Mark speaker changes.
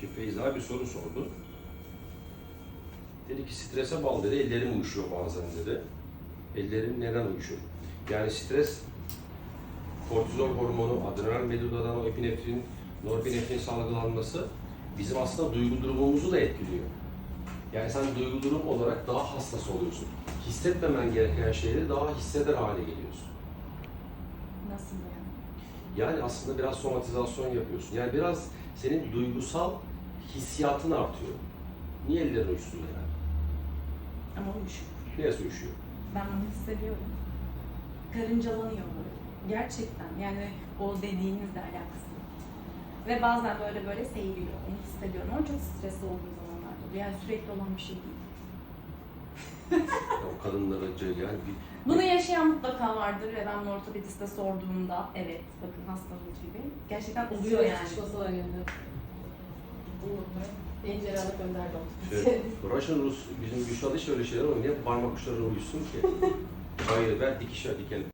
Speaker 1: Şimdi Feyza bir soru sordu. Dedi ki strese bağlı dedi, ellerim uyuşuyor bazen dedi. Ellerim neden uyuşuyor? Yani stres, kortizol hormonu, adrenal medulladan epinefrin, norepinefrin salgılanması bizim aslında duygu durumumuzu da etkiliyor. Yani sen duygu durum olarak daha hassas oluyorsun. Hissetmemen gereken şeyleri daha hisseder hale geliyorsun.
Speaker 2: Nasıl yani?
Speaker 1: Yani aslında biraz somatizasyon yapıyorsun. Yani biraz senin duygusal hissiyatın artıyor. Niye ellerin uyuşsun yani?
Speaker 2: Ama uyuşuyor.
Speaker 1: Neresi uyuşuyor?
Speaker 2: Ben bunu hissediyorum. Karıncalanıyor böyle. Gerçekten yani o dediğinizle alakası yok. Ve bazen böyle seyiriyor. Onu hissediyorum ama çok stresli olduğum zamanlarda oluyor. Yani sürekli olan bir şey değil.
Speaker 1: Ya o kadınlara yani bir...
Speaker 2: Bunu yaşayan mutlaka vardır ve ben bunu ortopediste sorduğumda evet bakın hastamız gibi gerçekten oluyor yani.
Speaker 3: Çıkması var yanında. En cerrahlık önderdi o.
Speaker 1: Russian Rus, bizim Gülşah'da hiç öyle şeyler olmuyor. Niye parmak uçlarına uyusun ki? Hayır, ver dikişe dikelim.